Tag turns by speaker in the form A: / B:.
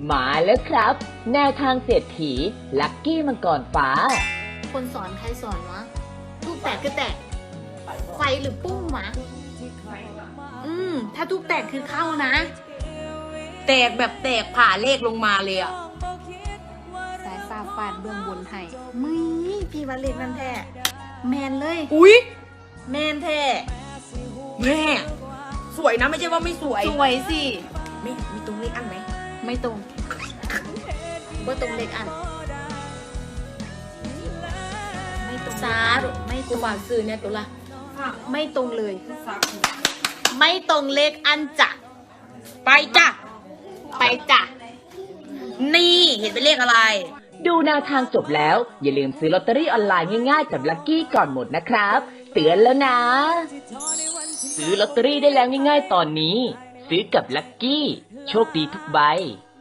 A: มาแล้วครับแนวทางเศรษฐีลัคกี้มังกรฟ้า
B: คนสอนใครสอนวะทูบแตกก็แตกไฟหรือปุ้งวะถ้าทูบแตกคือเข้านะ
C: แตกแบบแตกผ่าเลขลงมาเลยอ่ะ
B: สายฟ้าฟาดเบื้องบนให้มึยพี่วันเล็กนั่นแท้แมนเลย
C: อุ๊ย
B: แมนแท้
C: แม่สวยนะไม่ใช่ว่าไม่สวย
B: สวยสิ
C: มีตรงเลขอันไหม
B: ไม่ตรงว่าตรงเล็กอันไม่ตรง
C: สาธุ
B: ไม่ต
C: กู
B: รง
C: ฝากซื้อเนี่ยตัวละ
B: ไม่ตรงเลย ไม่ตรงเลขอันจ้ะ
C: ไปจ้ะ
B: ไปจ้ะ
C: นี่เห็นเป็นเลขอะไร
A: ดูแนวทางจบแล้วอย่าลืมซื้อลอตเตอรี่ออนไลน์ง่ายๆกับลัคกี้ก่อนหมดนะครับเตือนแล้วนะซื้อลอตเตอรี่ได้แล้วง่ายๆตอนนี้ซื้อกับลัคกี้โชคดีทุกใบ